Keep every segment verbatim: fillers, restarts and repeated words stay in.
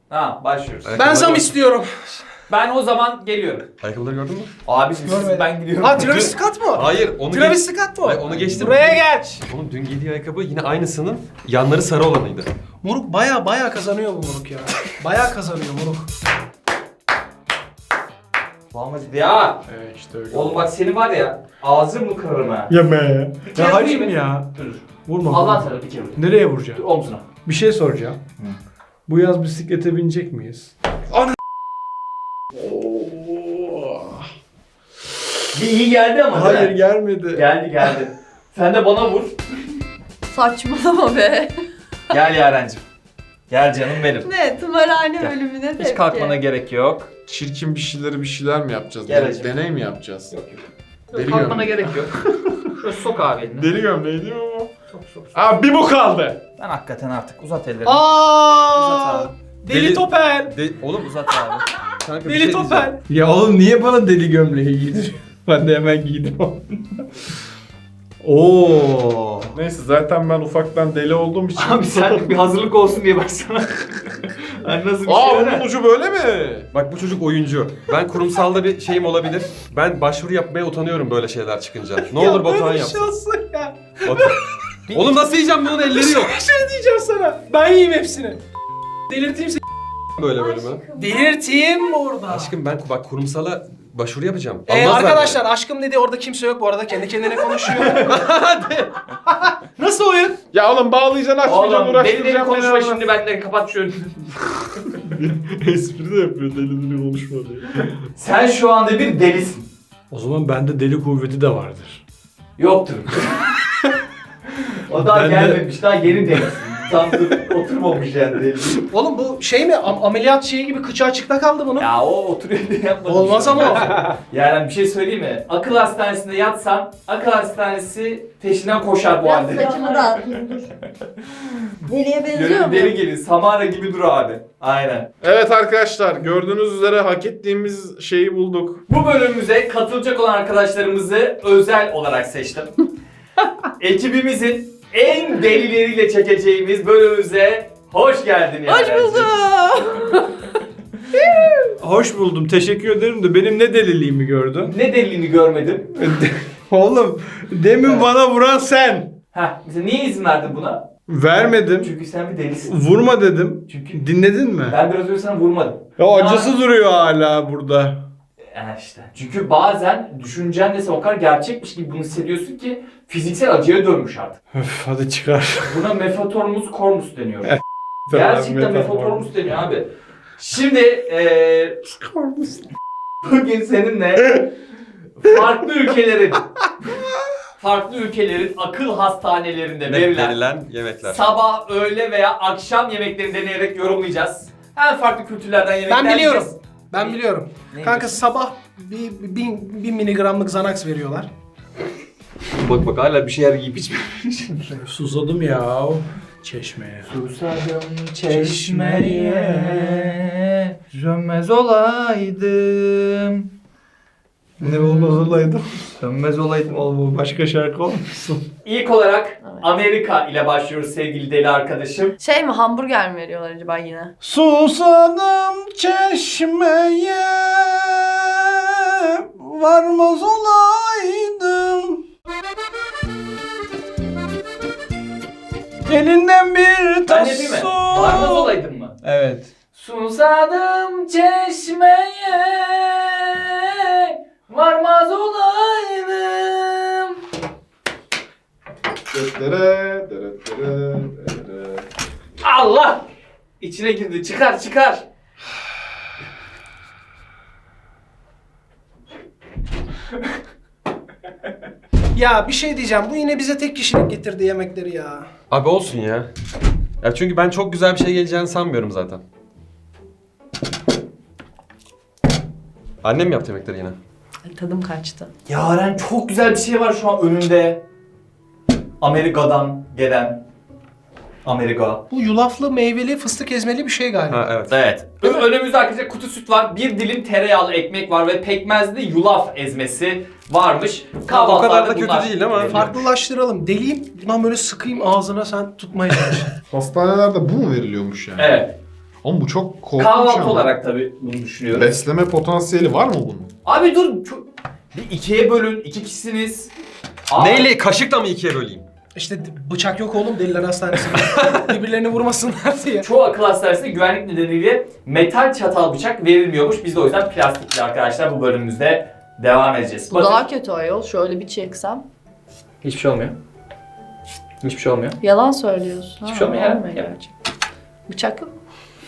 Ha başlıyoruz. Ben zam istiyorum. Ben o zaman geliyorum. Ayakkabıları gördün mü? Abi siz ben gidiyorum. Ha Travis Scott mu? Hayır onu Travis geç- Scott mu? Hayır, onu geçtim. Buraya gel. Onun dün giydiği ayakkabı yine aynısının yanları sarı olanıydı. Moruk baya baya kazanıyor bu moruk ya. Baya kazanıyor moruk. Muhammed ya. Evet işte öyle. Oğlum bak seni var ya ağzını mı kırarım ha. Yeme. kere Ya vurayım hacım mı? ya. Dur. Vurma. Allah vurma. sana bir kere vur. Nereye Dur vuracağım? omzuna. Bir şey soracağım. Bu yaz bisiklete binecek miyiz? Ana. Bir iyi geldi ama değil Hayır mi? gelmedi. Geldi geldi. Sen de bana vur. Saçmalama be. Gel Yarencim. Gel canım benim. Ne? Tımarhane Gel. bölümüne tepki. Hiç kalkmana gerek yok. Çirkin bir şeyleri bir şeyler mi yapacağız? Gel Den- hacım. deney mi yapacağız? Yok yok. Deli Kalkmana gömleği. gerek yok. Şöyle sok abi elini. Deli gömleği değil mi bu? Sok sok sok. Aa bir bu kaldı. Ben hakikaten artık uzat ellerini. Aa! Uzat Deli, Deli- Topel. De oğlum Uzat abi. kanka bir Deli şey Topel. diyeceğim. Ya oğlum niye bana deli gömleği giydiriyor? Ben de hemen giydim. Oo. Neyse zaten ben ufaktan deli olduğum için. Abi sen bir hazırlık olsun diye bak sana. Hani nasıl bir Aa şey onun öyle? ucu böyle mi? Bak bu çocuk oyuncu. Ben kurumsalda bir şeyim olabilir. Ben başvuru yapmaya utanıyorum böyle şeyler çıkınca. Ne olur Batuhan böyle yapsın. şey olsun ya. Batuhan. Oğlum nasıl yiyeceğim bunun elleri yok. Bir şey diyeceğim sana. Ben yiyeyim hepsini. Delirteyim seni. Böyle bölümü. Delirteyim mi orada? Aşkım ben bak kurumsala başvuru yapacağım. Ee, Almazlar arkadaşlar beni. aşkım dedi orada kimse yok bu arada kendi kendine konuşuyor. Nasıl oyun? Ya oğlum bağlayacaksın açmayacaksın Oğlum deli deli uğraştıracaksın. konuşma beni. şimdi benden kapat şu önünü. Espri de yapıyor deli deli konuşma diye. Sen şu anda bir delisin. O zaman bende deli kuvveti de vardır. Yoktur. O daha Ben de- gelmemiş, daha yeni delisin. Tam dur, oturmamış yani deli. Oğlum bu şey mi am- ameliyat şeyi gibi kıçı açıkta kaldı bunun. Ya o oturuyor diye yapmadım. Olmaz ama o. Yani bir şey söyleyeyim mi? Akıl hastanesinde yatsan, akıl hastanesi peşinden koşar bu Biraz halde. saçımı dağıtayım dur. Deliye benziyor Böyle mu? bir deli gelir, Samara gibi dur abi. Aynen. Evet arkadaşlar gördüğünüz üzere hak ettiğimiz şeyi bulduk. Bu bölümümüze katılacak olan arkadaşlarımızı özel olarak seçtim. Ekibimizin en delileriyle çekeceğimiz bölümümüze hoş geldin yani. Hoş buldum. Hoş buldum. Teşekkür ederim de benim ne deliliğimi gördün? Ne delilini görmedim. Oğlum demin Evet. bana vuran sen. Heh, mesela niye izin verdin buna? Vermedim. Çünkü sen bir delisin. Vurma dedim. Çünkü Dinledin mi? ben biraz önce sana vurmadım. Ya acısı duruyor hala burada. Yani işte. Çünkü bazen düşüncen de sen o kadar gerçekmiş gibi bunu hissediyorsun ki fiziksel acıya dönmüş artık. Öf hadi çıkar. Buna mefatormus cormus deniyor. Tamam, Gerçekten metaformus. mefatormus deniyor abi. Şimdi eee bugün seninle farklı ülkelerin farklı ülkelerin akıl hastanelerinde Ne verilen verilen yemekler. sabah, öğle veya akşam yemeklerini deneyerek yorumlayacağız. Hem farklı kültürlerden yemekler Ben biliyorum. yiyeceğiz. Ben biliyorum. Neymiş? Kanka sabah bir, bir, bir miligramlık Xanax veriyorlar. Bak bak hala bir şeyler yiyip içmiyor. Susadım ya. Çeşmeye. Susadım çeşmeye, sönmez olaydım. Ne olmaz olaydım. Sönmez olaydım. Oğlum başka şarkı olmasın? İlk olarak Amerika ile başlıyoruz sevgili deli arkadaşım. Şey mi hamburger mi veriyorlar acaba yine? Susadım çeşmeye varmaz olaydım. Elinden bir Ben tas yapayım mı? su. Varmaz olaydın mı? Evet. Susadım çeşmeye, varmaz olaydım. Dere, dere, dere, dere. Allah! İçine girdi. Çıkar çıkar. Ya bir şey diyeceğim. Bu yine bize tek kişilik getirdi yemekleri ya. Abi olsun ya. Ya çünkü ben çok güzel bir şey geleceğini sanmıyorum zaten. Annem yaptı yemekleri yine. Ay, tadım kaçtı. Yaren çok güzel bir şey var şu an önünde. Amerika'dan gelen. Amerika. Bu yulaflı, meyveli, fıstık ezmeli bir şey galiba. Ha evet. Evet. Ö- Önümüzde arkadaşlar kutu süt var. Bir dilim tereyağlı ekmek var ve pekmezli yulaf ezmesi varmış. O Kahvaltılarda kadar da kötü bunlar değil ama. veriliyor. Farklılaştıralım. Deliyim. Bundan böyle sıkayım ağzına sen tutmaya çalış. Hastanelerde bu mu veriliyormuş yani? Evet. Oğlum bu çok korkunç Kahvaltı ama. olarak tabii bunu düşünüyorum. Besleme potansiyeli var mı bunun? Abi dur. Çok... Bir ikiye bölün. iki kişisiniz. Abi, Neyle? Kaşıkla mı ikiye böleyim? İşte bıçak yok oğlum deliler hastanesinde. Birbirlerini vurmasınlar diye. Çoğu akıl hastanesinde güvenlik nedeniyle metal çatal bıçak verilmiyormuş. Biz de o yüzden plastikli arkadaşlar bu bölümümüzde devam edeceğiz. Bu Bakın. daha kötü ayol. Şöyle bir çeksem. Hiçbir şey olmuyor. Hiçbir şey olmuyor. Yalan söylüyorsun. Hiçbir şey olmuyor ya. olmuyor gerçekten. Bıçak yok.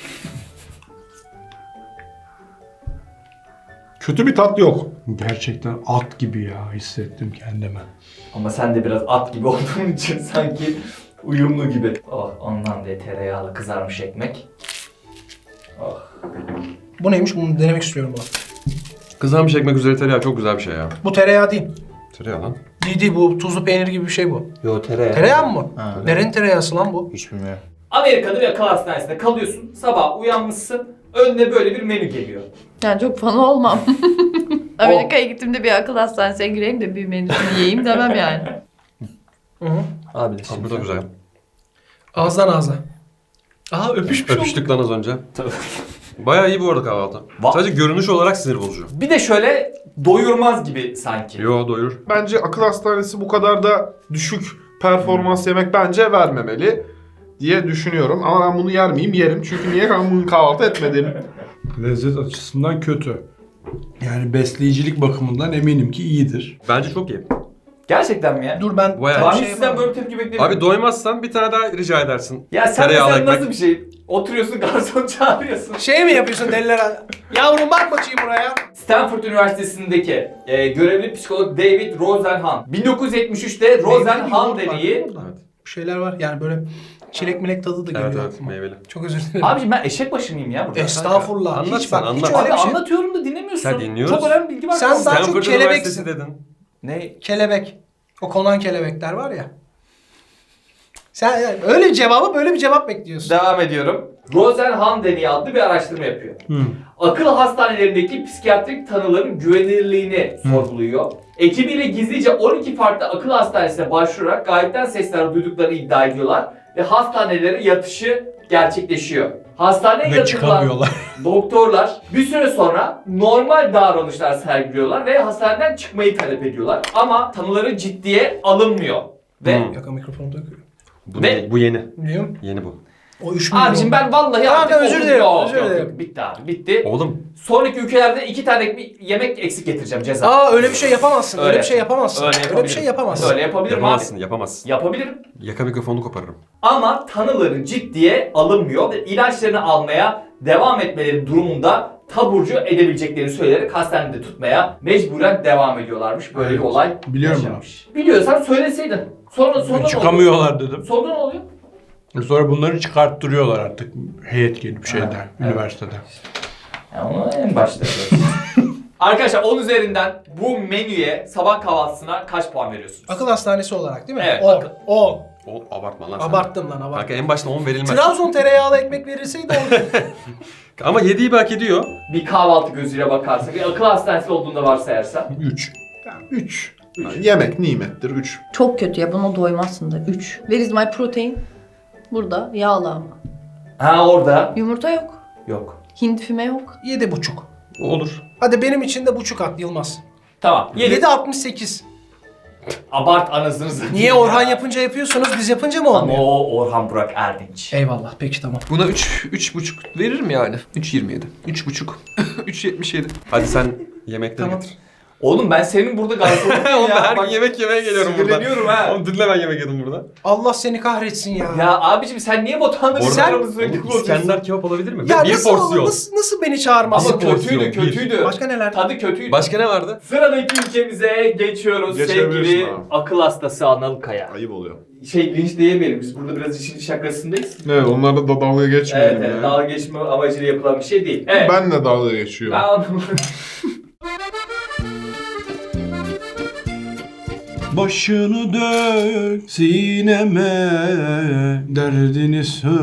Kötü bir tat yok. Gerçekten at gibi ya hissettim kendimi. Ama sen de biraz at gibi olduğun için sanki uyumlu gibi. Oh, ondan diye tereyağlı kızarmış ekmek. Oh. Bu neymiş? Bunu denemek istiyorum bu. Kızarmış ekmek üzeri tereyağı çok güzel bir şey ya. Bu tereyağı değil. Tereyağı lan. Değil değil, bu tuzlu peynir gibi bir şey bu. Yo tereyağı. Tereyağı mı? Ha. Nerenin tereyağısı lan bu? Hiç bilmiyorum. Amerika'da bir akıl hastanesinde kalıyorsun. Sabah uyanmışsın. Önüne böyle bir menü geliyor. Yani çok fan olmam. Amerika'ya gittiğimde bir akıl hastanesine gireyim de bir menüsünü yiyeyim demem yani. Hı hı. Abi de Abi bu da güzel. Ağızdan ağza. Aa öpüşmüş olduk. Öpüştük lan az önce. Bayağı iyi bu arada kahvaltı. Va- Sadece görünüş olarak sinir bozucu. Bir de şöyle doyurmaz gibi sanki. Yo doyurur. Bence akıl hastanesi bu kadar da düşük performans yemek bence vermemeli diye düşünüyorum. Ama ben bunu yer miyim? Yerim. Çünkü niye ben bunu kahvaltı etmedim? Lezzet açısından kötü. Yani besleyicilik bakımından eminim ki iyidir. Bence çok iyi. Gerçekten mi ya? Dur ben Bayağı Ben iyi. hiç şey sizden yapamam. böyle bir tepki beklemiyorum. Abi doymazsan bir tane daha rica edersin. Ya sen Tereyağlı mesela ekmek. nasıl bir şey? Oturuyorsun garson çağırıyorsun. Şey mi yapıyorsun deliler? Yavrum bak bakayım buraya. Stanford Üniversitesi'ndeki e, görevli psikolog David Rosenhan bin dokuz yüz yetmiş üçte Rosenhan Yoğurt var, deneyi. değil mi burada? Bir şeyler var yani böyle çilek milek tadı da geliyor. Evet evet aklıma. meyveli. Çok özür dilerim. Abiciğim ben eşek başı mıyım ya burada? Estağfurullah. Anlat hiç sen, bak hiç anlat. öyle Abi bir şey. anlatıyorum da dinlemiyorsun. Sen dinliyoruz. Çok önemli bilgi var. Sen Sen daha çok Stanford kelebeksin. Üniversitesi dedin. Ne? Kelebek. O konan kelebekler var ya. Sen yani öyle bir cevabı böyle bir cevap bekliyorsun. Devam ediyorum. Rosenhan deneyi adlı bir araştırma yapıyor. Hı. Akıl hastanelerindeki psikiyatrik tanıların güvenilirliğini sorguluyor. Ekibiyle gizlice on iki farklı akıl hastanesine başvurarak gayetten sesler duyduklarını iddia ediyorlar ve hastanelere yatışı gerçekleşiyor. Hastaneye Ve yatılan çıkamıyorlar. doktorlar bir süre sonra normal davranışlar sergiliyorlar ve hastaneden çıkmayı talep ediyorlar. Ama tanıları ciddiye alınmıyor. Ve Hmm. Yaka mikrofonu takıyor. Bu, Ve- bu yeni. Biliyorum. Yeni bu. O üç milyon. abicim ben vallahi Tamam, artık özür okudum. dilerim, Yok, özür yok, dilerim. yok. Bitti abi bitti. Oğlum Sonraki ülkelerde iki tane bir yemek eksik getireceğim ceza. Aa öyle bir şey yapamazsın. Öyle, Öyle. bir şey yapamazsın. Öyle Öyle, yapabilirim. bir şey yapamazsın. Öyle yapabilirim yapamazsın abi. yapamazsın. Yapabilirim. Yaka mikrofonunu koparırım. Ama tanıları ciddiye alınmıyor ve ilaçlarını almaya devam etmeleri durumunda taburcu edebileceklerini söyleyerek hastanede tutmaya mecburen devam ediyorlarmış. Böyle bir Evet, olay biliyorum yaşanmış. Biliyorsan söyleseydin. Sonra sonra ne oluyor? Çıkamıyorlar dedim. Sonra ne oluyor? Sonra bunları çıkarttırıyorlar artık heyet gelip şeyden, Ha, evet. üniversiteden. Yani onu en başta Arkadaşlar on üzerinden bu menüye sabah kahvaltısına kaç puan veriyorsunuz? Akıl hastanesi olarak değil mi? Evet, on. akıl- on. O abartma lan sen. Abarttım lan abarttım. Kanka en başta on verilmez. Trabzon tereyağlı ekmek verilseydi on. Ama yediği bir hak ediyor. Bir kahvaltı gözüyle bakarsak, bir akıl hastanesi olduğunda varsayarsan. üç. üç. Yemek nimettir. üç. Çok kötü ya, buna doymazsın da. üç. Where is my protein? Burada yağlı ama. Ha orada. Yumurta yok. Yok. Hindi füme yok. Yedi buçuk. Olur. Hadi benim için de buçuk at Yılmaz. Tamam. Yedi. Yedi altmış sekiz. Abart anasını satayım. Niye Orhan yapınca yapıyorsunuz, biz yapınca mı Ama olmuyor? o Orhan Burak Erdinç. Eyvallah, peki tamam. Buna üç, üç buçuk veririm yani. üç yirmi yedi. üç buçuk. üç yetmiş yedi. Hadi sen yemekleri Tamam. getir. Oğlum ben senin burada garsonum Oğlum ben ya. her gün Bak, yemek yemeye geliyorum burada. sinirleniyorum ha. Oğlum dinle ben yemek yedim burada. Allah seni kahretsin ya. Ya abicim sen niye Batuhan'la bizim Orada- aramızı sürekli Oğlum, bozuyorsun? İskender kebap olabilir mi? Ya bir nasıl, porsiyon. nasıl, nasıl beni çağırmazsın? Ama Bir porsiyon, kötüydü bir. kötüydü. Başka neler? Tadı kötüydü. Başka ne vardı? Sıradaki ülkemize geçiyoruz Geçebilirsin sevgili abi. akıl hastası Anıl Kaya. Ayıp oluyor. Şey linç diyemeyelim biz burada biraz işin şakasındayız. Evet onlarla da dalga Evet, geçmeyelim evet ya. dalga geçme amacıyla yapılan bir şey değil. Evet. Ben de dalga geçiyorum. Ben anlamadım. Başını dök sineme, derdini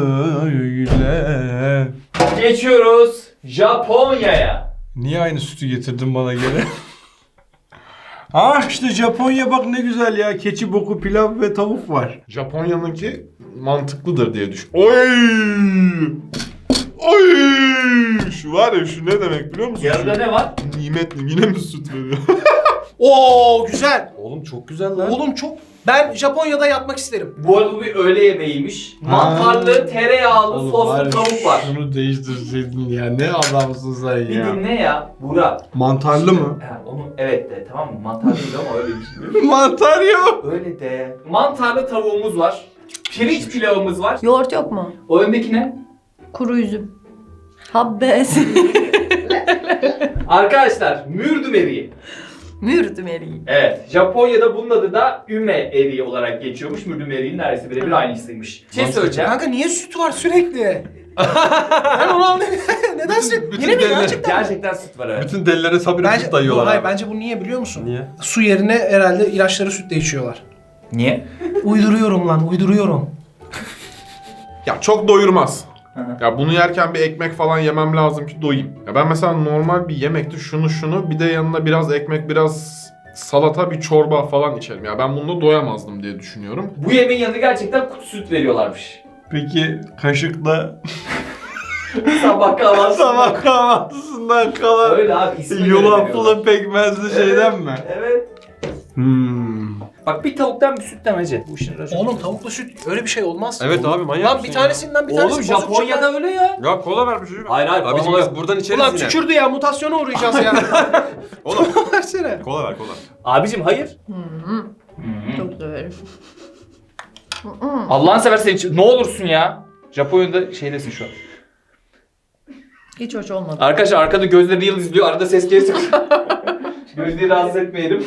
söyle. Geçiyoruz Japonya'ya. Niye aynı sütü getirdin bana geri? Ah işte Japonya bak ne güzel ya. Keçi boku pilav ve tavuk var. Japonya'nınki mantıklıdır diye düşün. Oy! Oy! Şu var ya şu ne demek biliyor musun? Yanında ne var? Nimetli yine mi süt veriyor? Oo güzel. Oğlum çok güzel lan. Oğlum çok... Ben Japonya'da yatmak isterim. Bu arada bu bir öğle yemeğiymiş. Mantarlı, tereyağlı, Oğlum soslu bari tavuk var. Şunu değiştirseydin ya. Ne adamsın sen Bir ya. dinle ya Burak. Mantarlı mı? Ha, onu evet de tamam mı? Mantar değil ama öyle bir şey. Mantar yok. Öyle de. Mantarlı tavuğumuz var. Pirinç pilavımız var. Yoğurt yok mu? O öndeki ne? Kuru üzüm. Habbes. Arkadaşlar mürdüm eriği. Mürdüm eriği. Evet. Japonya'da bunun adı da üme eriği olarak geçiyormuş. Mürdüm eriğinin neredeyse birebir aynısıymış. Bir şey söyleyeceğim. Kanka niye süt var sürekli? Ben onu anlamıyorum. Neden süt? bütün Yine mi devlet- gerçekten? Gerçekten süt var evet. Bütün delilere sabire Bence, süt dayıyorlar hayır, abi. bence bu niye biliyor musun? Niye? Su yerine herhalde ilaçları sütle içiyorlar. Niye? Uyduruyorum lan, uyduruyorum. Ya çok doyurmaz. Hı hı. Ya bunu yerken bir ekmek falan yemem lazım ki doyayım. Ya ben mesela normal bir yemekti şunu şunu bir de yanına biraz ekmek biraz salata bir çorba falan içerim. Ya ben bununla doyamazdım diye düşünüyorum. Bu yemeğin yanında gerçekten kutu süt veriyorlarmış. Peki kaşıkla Sabah kahvaltısı. sabah kahvaltısından kalan Öyle abi ismi göre yulaflı veriyorlar. pekmezli şeyden mi? Evet. Hmm. Bak bir tavuktan bir süt demece. Bu işin raconu. Oğlum tavuklu süt öyle bir şey olmaz. Evet abi manyak Lan mısın bir ya? tanesinden bir tanesi Oğlum bozuk Japonya'da çıkar. öyle ya. Ya kola ver bir çocuğum. Hayır hayır. Abicim kola biz yok. buradan içeriz Ulan yine. tükürdü ya mutasyona uğrayacağız ya. Oğlum Versene. kola ver kola. Abicim hayır. Hı-hı. Çok severim. Allah'ını seversen iç. Ne olursun ya. Japonya'da şeydesin şu an. Hiç hoş olmadı. Arkadaşlar arkada gözleri yıl izliyor. Arada ses geliyor. Gözleri rahatsız etmeyelim.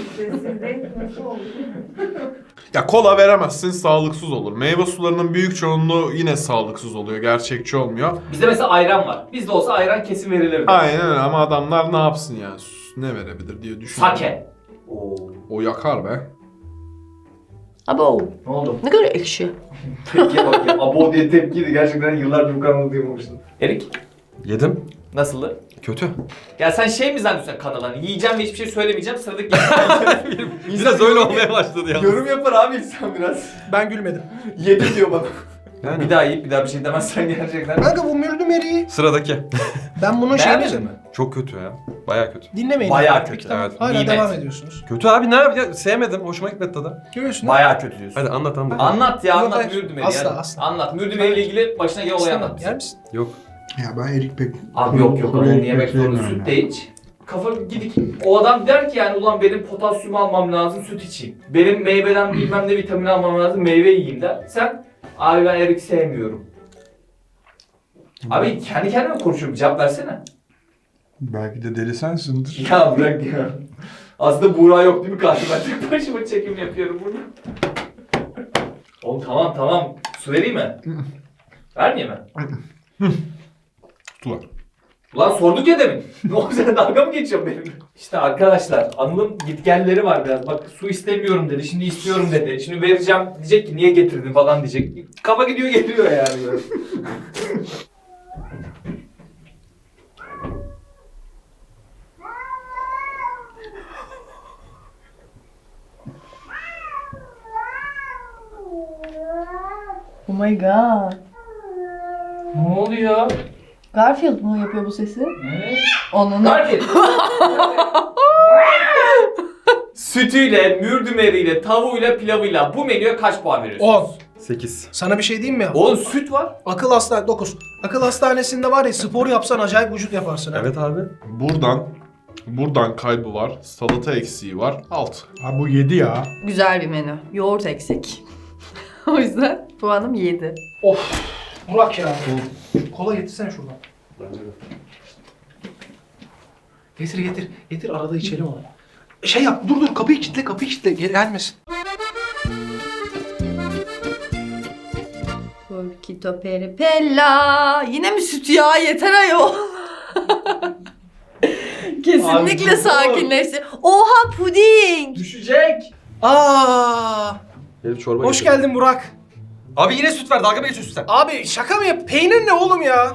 Ya kola veremezsin sağlıksız olur. Meyve sularının büyük çoğunluğu yine sağlıksız oluyor. Gerçekçi olmuyor. Bizde mesela ayran var. Bizde olsa ayran kesin verilir. Aynen öyle ama adamlar ne yapsın ya? Ne verebilir diye düşünüyorum. Sake. Oo. O yakar be. Abo. Ne oldu? Ne kadar ekşi. Tepkiye bak ya. Abo diye tepkiydi. Gerçekten yıllardır bu kanalı duymamıştım. Erik. Yedim. Nasıldı? Kötü. Ya sen şey mi zannediyorsun kanal hani yiyeceğim ve hiçbir şey söylemeyeceğim sıradaki Biraz öyle olmaya başladı ya. yorum yapar abi insan biraz. Ben gülmedim. Yedim diyor bana. Yani. Bir daha yiyip bir daha bir şey demezsen gerçekten. Kanka bu mürdüm eriği. Sıradaki. Ben bunun Beğenmedin şeyini mi? Çok kötü ya. Baya kötü. dinlemeyin. Bayağı abi. kötü, Peki, tamam. evet. Hala Nimet. devam ediyorsunuz. Kötü abi ne yapayım? Sevmedim. Hoşuma gitmedi tadı. Görüyorsun. Bayağı kötü diyorsun. Hadi anlat anlat. Anlat ya Yok, anlat hayır. Mürdümeri Asla, ya. asla. Anlat Mürdümeri ile ilgili başına gelen olayı anlat. Yer misin? Yok. Ya ben erik pek... Abi yok yok onu yemek zorunda süt de iç. Kafa gidik. O adam der ki yani ulan benim potasyum almam lazım süt içeyim. Benim meyveden bilmem ne vitamin almam lazım meyve yiyeyim der. Sen abi ben erik sevmiyorum. Abi kendi kendine mi konuşuyorum cevap versene. Belki de deli sensindir. Ya bırak ya. Aslında Buğra yok değil mi karşıma? Tek başıma çekim yapıyorum burada. Oğlum tamam tamam. Su vereyim mi? Vermeyeyim mi? Tutular. Ulan sorduk ya demin. Ne oldu sen dalga mı geçiyorsun benimle? İşte arkadaşlar Anıl'ın gitgelleri var biraz. Bak su istemiyorum dedi. Şimdi istiyorum dedi. Şimdi vereceğim. Diyecek ki niye getirdin falan diyecek. Kafa gidiyor geliyor yani. Böyle. Oh my god. Ne oluyor? Garfield mu yapıyor bu sesi? Ne? Onun. Garfield. Sütüyle, mürdümeriyle, tavuğuyla, pilavıyla bu menüye kaç puan veriyorsun? on. sekiz. Sana bir şey diyeyim mi? Oğlum süt var. Akıl hastane dokuz. Akıl hastanesinde var ya spor yapsan acayip vücut yaparsın. ha. Evet abi. Buradan buradan kaybı var. Salata eksiği var. Alt. Ha bu yedi ya. Güzel bir menü. Yoğurt eksik. O yüzden puanım yedi. Of. Burak ya. Kola getirsene şuradan. Getir getir. Getir arada içelim onu. Şey yap dur dur kapıyı kilitle kapıyı kilitle Gel- gelmesin. Porkito peripella. Yine mi süt ya? Yeter ayol. Kesinlikle Abi, sakinleşti. Oha puding. Düşecek. Aa! Herif çorba Hoş getirdi. geldin Burak. Abi yine süt ver. Dalga mı geçiyorsun sen? Abi şaka mı yap? Peynir ne oğlum ya?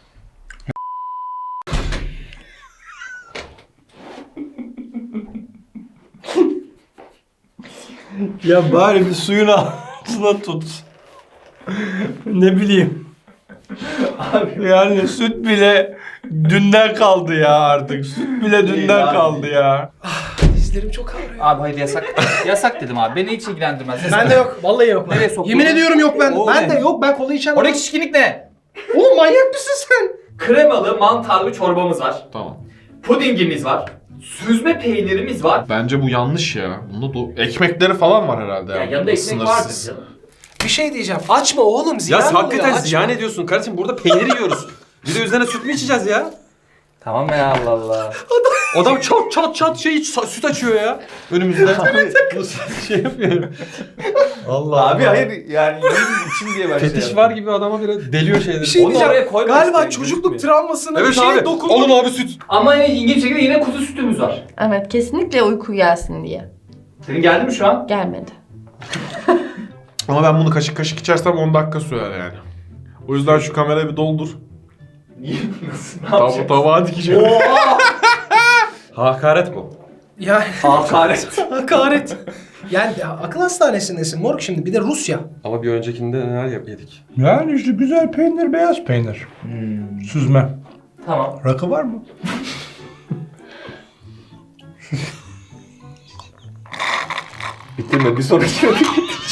Ya bari bir suyun altına tut. Ne bileyim. Yani süt bile dünden kaldı ya artık. Süt bile dünden abi. kaldı ya. Dizlerim çok ağrıyor. Abi hayır yasak. Yasak dedim abi. Beni hiç ilgilendirmez. Ben de yok. Vallahi yok. Nereye soktun? Yemin ediyorum yok ben. O Ben ne? de yok. Ben kola içen Oradaki şişkinlik ne? Oğlum manyak mısın sen? Kremalı mantarlı çorbamız var. Tamam. Pudingimiz var. Süzme peynirimiz var. Bence bu yanlış ya. Bunda do- ekmekleri falan var herhalde. Ya yani. yanında ekmek Sınırsız. vardır canım. Bir şey diyeceğim. Açma oğlum. Ziyan Ya oluyor, hakikaten açma. ziyan ediyorsun kardeşim. Burada peynir yiyoruz. Bir de üzerine süt mü içeceğiz ya? Tamam ya Allah Allah. Adam çat çat çat şey iç, süt açıyor ya önümüzde. şey yapıyorum. Allah Abi Allah. hayır yani için diye başlayalım. Fetiş var gibi adama bile deliyor şeyleri. Bir şey Onu diyeceğim. oraya koyma Galiba işte, çocukluk gözükmüyor. travmasına bir Evet şeye abi. dokundum. Alın abi süt. Ama yine ilginç bir şekilde yine kuzu sütümüz var. Evet kesinlikle uyku gelsin diye. Senin geldi mi şu an? Gelmedi. Ama ben bunu kaşık kaşık içersem on dakika sürer yani. O yüzden şu kamerayı bir doldur. Niye? Nasıl? Ne Tav yapacaksın? tabağa dikeceğim. Oha! Hakaret bu. Ya Hakaret. hakaret. Yani ya, akıl hastanesindesin moruk şimdi. Bir de Rusya. Ama bir öncekinde neler yap- yedik? Yani işte güzel peynir, beyaz peynir. Süzme. Tamam. Rakı var mı? Bitirme bir sonraki yoru.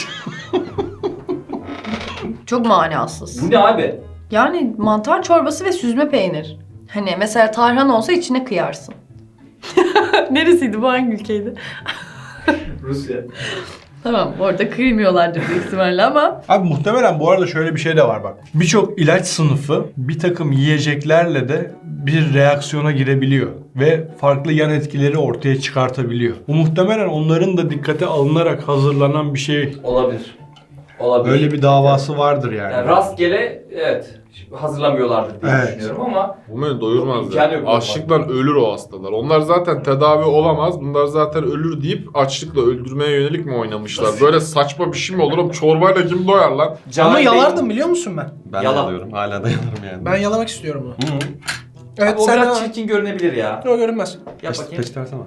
Çok manasız. Bu ne abi? Yani mantar çorbası ve süzme peynir. Hani mesela tarhan olsa içine kıyarsın. Neresiydi bu, hangi ülkeydi? Rusya. Tamam orada kıymıyorlardır büyük ihtimalle ama. Abi muhtemelen bu arada şöyle bir şey de var bak. Birçok ilaç sınıfı bir takım yiyeceklerle de bir reaksiyona girebiliyor. Ve farklı yan etkileri ortaya çıkartabiliyor. Bu muhtemelen onların da dikkate alınarak hazırlanan bir şey. Olabilir. Olabilir. Öyle bir davası vardır yani. Yani rastgele evet hazırlamıyorlardır diye Evet. düşünüyorum ama Bu beni doyurmaz İmkanı ya. yok. Açlıktan ölür o hastalar. Onlar zaten tedavi olamaz. Bunlar zaten ölür deyip açlıkla öldürmeye yönelik mi oynamışlar? Böyle saçma bir şey mi olur oğlum? Çorbayla kim doyar lan? Cahil Ama Bey- yalardım biliyor musun ben? Ben Yalan. de alıyorum. Hala da yalarım yani. Ben yalamak istiyorum bunu. Hı hı. Evet Abi o sen biraz de çirkin görünebilir ya. o görünmez. Yap Peç, bakayım. peç versene.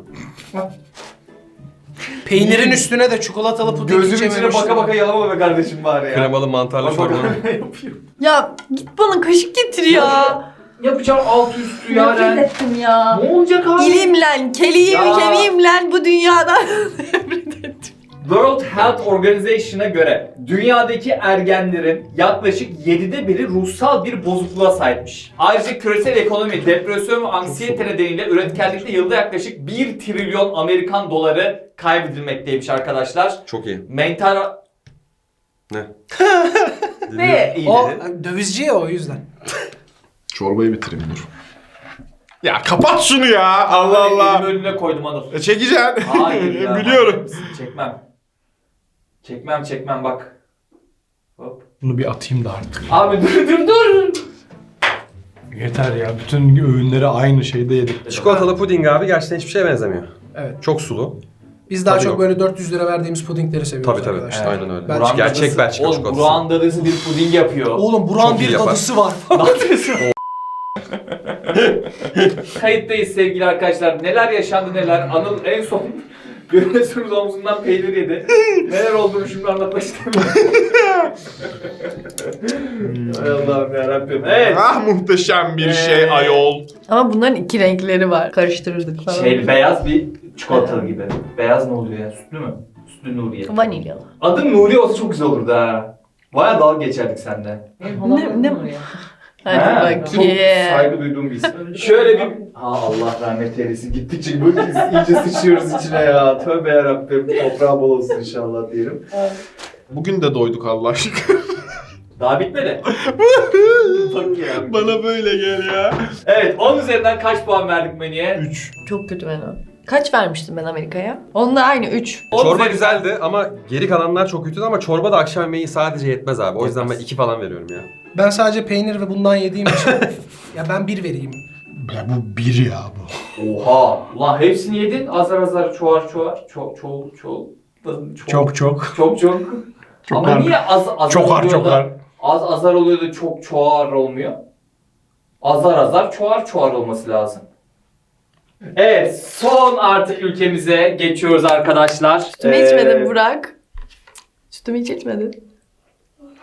Peynirin üstüne de çikolatalı puding Gözümün içine içememiştim. baka baka yalama be kardeşim bari ya. Kremalı mantarlı Bak bak çorba. ne yapıyor. Ya git bana kaşık getir ya. Yapacağım alt üstü Nefret yani. ettim ya. Ne olacak abi? İlimle, keliğim, Ya. kemiğimle bu dünyadan nefret ettim. World Health Organization'a göre dünyadaki ergenlerin yaklaşık yedide biri ruhsal bir bozukluğa sahipmiş. Ayrıca küresel ekonomi, depresyon ve anksiyete nedeniyle üretkenlikte yılda yaklaşık bir trilyon Amerikan doları kaybedilmekteymiş arkadaşlar. Çok iyi. Mental... Ne? Ne iyi O dedi. dövizci ya o yüzden. Çorbayı bitireyim dur. Ya kapat şunu ya. Allah Elimi Allah. önüne koydum Anıl. E, çekeceksin. Hayır ya. Biliyorum. Çekmem. Çekmem çekmem bak. Hop. Bunu bir atayım da artık. Abi dur dur dur. Yeter ya. Bütün öğünleri aynı şeyde yedik. Çikolatalı puding abi gerçekten hiçbir şeye benzemiyor. Evet. Çok sulu. Biz daha Tabii çok yok. böyle dört yüz lira verdiğimiz pudingleri seviyoruz Tabii tabii. arkadaşlar. Aynen öyle. Ben- Burak'ın Gerçek dadısı- Belçika Oğlum çikolatası. Burak'ın dadısı bir puding yapıyor. Oğlum Burak'ın Çok iyi bir yapar. dadısı var. Ne yapıyorsun? Kayıttayız sevgili arkadaşlar. Neler yaşandı neler. Anıl en son Görüyorsunuz omzundan peynir yedi. Neler olduğunu şimdi anlatmak istemiyorum. Hay Allah'ım yarabbim. Evet. Ah muhteşem bir şey Ee, ayol. Ama bunların iki renkleri var. Karıştırırdık falan. Şey beyaz bir çikolatalı gibi. Beyaz ne oluyor ya? Sütlü mü? Sütlü Nuriye. Vanilyalı. Adım Nuriye olsa çok güzel olurdu ha. Baya dalga geçerdik seninle. Ne, ne? Hadi Ha, bakayım. Çok saygı duyduğum bir isim. Şöyle bir... Ha Allah rahmet eylesin. Gittikçe böyle iyice sıçıyoruz içine ya. Tövbe yarabbim. Toprağı bol olsun inşallah diyelim. Bugün de doyduk Allah aşkına. Daha bitmedi. Bak ya. Bana böyle gel ya. Evet on üzerinden kaç puan verdik menüye? üç. Çok kötü menü. Kaç vermiştim ben Amerika'ya? Onunla aynı üç. On Çorba üzerinden- güzeldi ama geri kalanlar çok kötüydü ama çorba da akşam yemeği sadece yetmez abi. O yüzden ben iki falan veriyorum ya. Ben sadece peynir ve bundan yediğim için ya ben bir vereyim. Ya bu bir ya bu. Oha! Ulan hepsini yedin. Azar azar çoğar çoğar. Çok çok çok. Çok çok. Çok çok. Ama Çokar. niye az azar Çokar oluyor da- çokar. Az azar oluyor da çok çoğar olmuyor? Azar azar çoğar çoğar olması lazım. Evet, son artık ülkemize geçiyoruz arkadaşlar. Sütümü Ee, içmedin Burak. Sütümü hiç içmedin.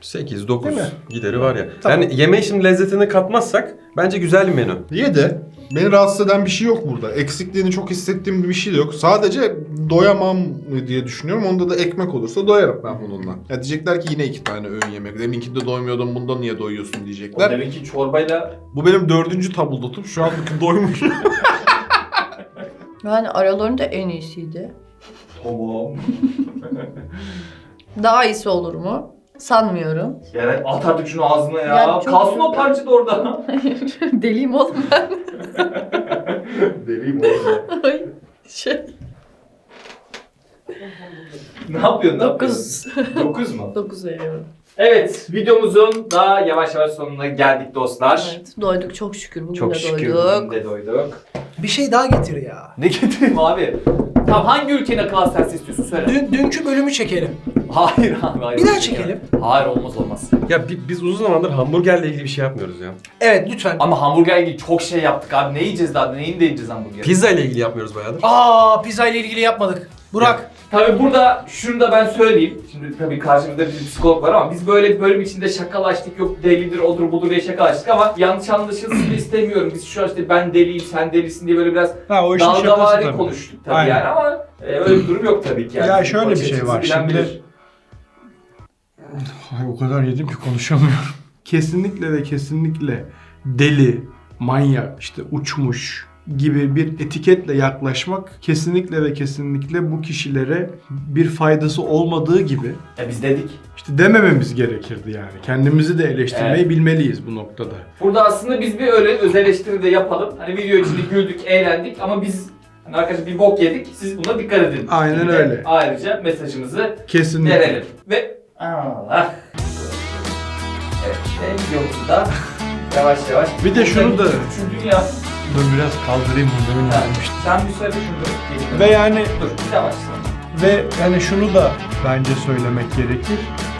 sekiz dokuz Değil mi? gideri var ya. Tamam. Yani yemeğin şimdi lezzetini katmazsak bence güzel bir menü. Ye de beni rahatsız eden bir şey yok burada. Eksikliğini çok hissettiğim bir şey de yok. Sadece doyamam diye düşünüyorum. Onda da ekmek olursa doyarım ben bununla. Ya diyecekler ki yine iki tane öğün yemek. Deminkinde doymuyordun, bunda niye doyuyorsun O diyecekler. demek ki çorbayla Bu benim dördüncü tabuldotum. Şu an doymuş. Yani aralarında en iyisiydi. tamam. Daha iyisi olur mu? Sanmıyorum. Yani at artık şunu ağzına ya. Yani çok- Kalsın o parça da orada. Deliyim oğlum ben. Deliyim orada. Ay, şey. Ne yapıyorsun? Ne Dokuz. yapıyorsun? Dokuz mu? Dokuz veriyorum. Evet, videomuzun da yavaş yavaş sonuna geldik dostlar. Evet, doyduk çok şükür. Bugün Çok de şükür doyduk. bugün de doyduk. Bir şey daha getir ya. Ne getireyim abi? Tamam, hangi ülkenin akıl hastanesi istiyorsun söyle. Dün, dünkü bölümü çekelim. Hayır abi hayır. Bir daha çekelim. Hayır olmaz olmaz. Ya bi- biz uzun zamandır hamburgerle ilgili bir şey yapmıyoruz ya. Evet lütfen. Ama hamburger ilgili çok şey yaptık abi. Ne yiyeceğiz daha? Neyin de yiyeceğiz hamburger? Pizza ile ilgili yapmıyoruz bayağıdır. Aa pizza ile ilgili yapmadık. Burak. Tabii burada şunu da ben söyleyeyim. Şimdi tabii karşımızda bir psikolog var ama biz böyle bir bölüm içinde şakalaştık. Yok delidir, odur budur diye şakalaştık ama yanlış anlaşılsın istemiyorum. Biz şu an işte ben deliyim, sen delisin diye böyle biraz Ha o işin şakası dalgavari tabii. konuştuk tabii Aynen. yani ama e, öyle bir durum yok tabii ki yani. Ya şöyle bir Bakış şey açısı var, bilen şimdi- bilir. Ay o kadar yedim ki konuşamıyorum. Kesinlikle ve kesinlikle deli, manyak, işte uçmuş gibi bir etiketle yaklaşmak kesinlikle ve kesinlikle bu kişilere bir faydası olmadığı gibi E biz dedik. işte demememiz gerekirdi yani. Kendimizi de eleştirmeyi Evet. bilmeliyiz bu noktada. Burada aslında biz bir öyle öz eleştiri de yapalım. Hani video içinde güldük, eğlendik ama biz hani arkadaşlar bir bok yedik. Siz buna dikkat edin. Aynen Gibi de öyle. Ayrıca mesajımızı Kesinlikle. verelim. Ve Allah. Evet, ve videomuzu da yavaş yavaş. Bir de şunu da- Üçüncü ya. Dur biraz kaldırayım bunu demin Ha, gelmiştim. Sen bir söyle şunu. Ve yani Dur, yavaş. Ve yani şunu da bence söylemek gerekir.